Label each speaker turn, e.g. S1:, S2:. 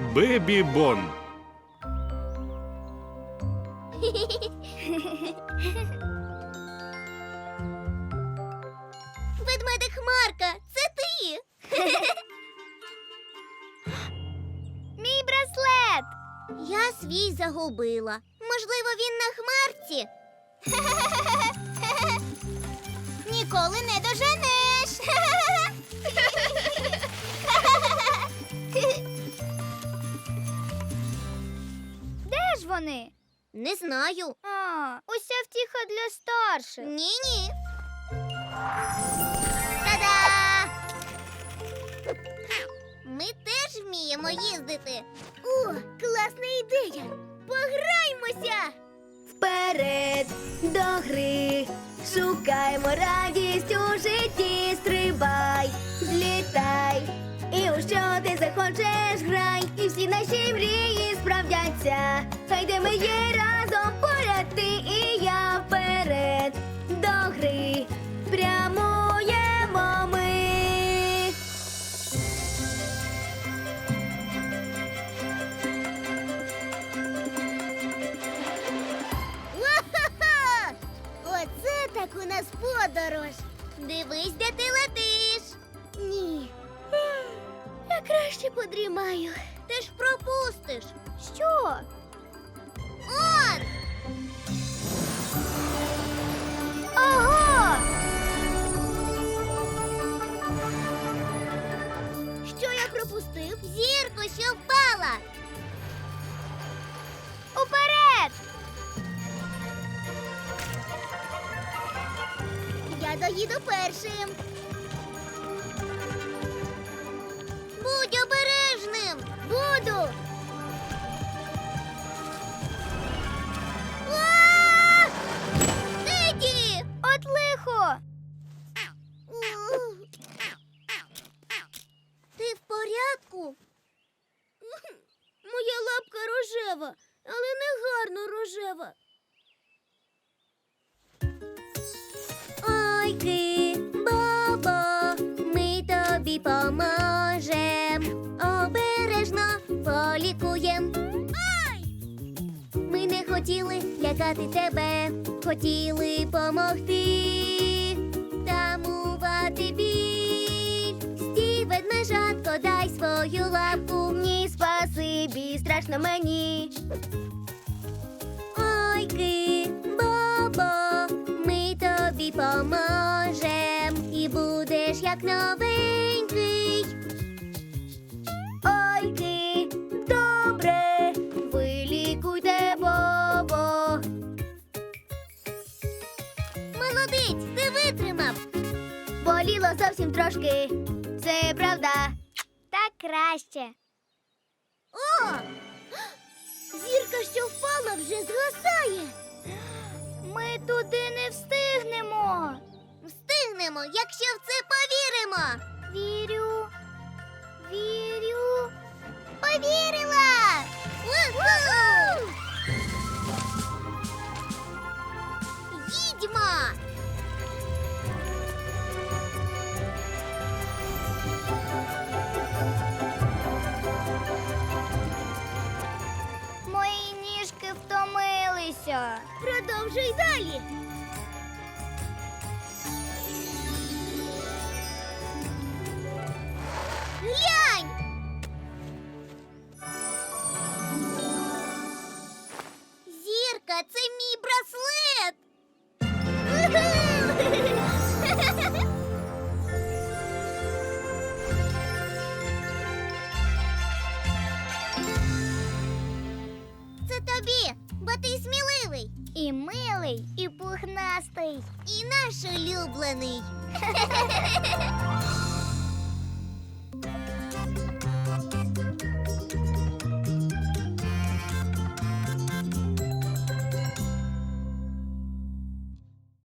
S1: Бебі Бон.
S2: Ведмедик Хмарка, це ти!
S3: Мій браслет!
S2: Я свій загубила. Можливо, він на хмарці? Ніколи не доженеш.
S3: Де ж вони?
S2: Не знаю.
S3: А, уся втіха для старших.
S2: Ні-ні. Та-да! Ми теж вміємо їздити. О, класна ідея! Пограймося!
S4: Вперед до гри, шукаймо радість у житті, стрибай, злітай, і у що ти захочеш грай, і всі наші мрії справдяться. Хай де ми є разом поряд ти і я, вперед до гри, прямуємо ми.
S2: Ва-ха-ха! Оце так у нас подорож. Дивись, де ти летиш. Ні. Я краще подрімаю. Ти ж пропустиш.
S3: Що?
S2: Он!
S3: Ого!
S2: Що я пропустив? Зірку, що впала.
S3: Уперед!
S2: Я доїду першим. Будь обережним. Буду. А! Еді!
S3: От лихо!
S2: Ти в порядку? Моя лапка рожева, але не гарно рожева. Ой, Бобо, ми тобі поможем, обережно полікуєм. Ми не хотіли лякати тебе, хотіли помогти, тамувати біль. Стій, ведмежатко, дай свою лапку.
S4: Ні, спасибі, страшно мені.
S2: Ой, Бобо, ми тобі поможем, і будеш як новенький.
S4: Ой, добре, вилікуйте Бобо.
S2: Молодець, ти витримав.
S4: Боліло зовсім трошки, це правда.
S3: Так краще.
S2: О! Зірка, що впала, вже згасає.
S3: Ми туди не встигнемо.
S2: Встигнемо, якщо в це повіримо.
S3: Вірю. Вірю.
S2: Повірила! Уху! Їдьмо!
S3: Мої ніжки втомилися.
S2: Продовжуй далі. Глянь! Зірка, це мій браслет! Це тобі, бо ти сміливий
S3: І милий, і пухнастий.
S2: і наш улюблений.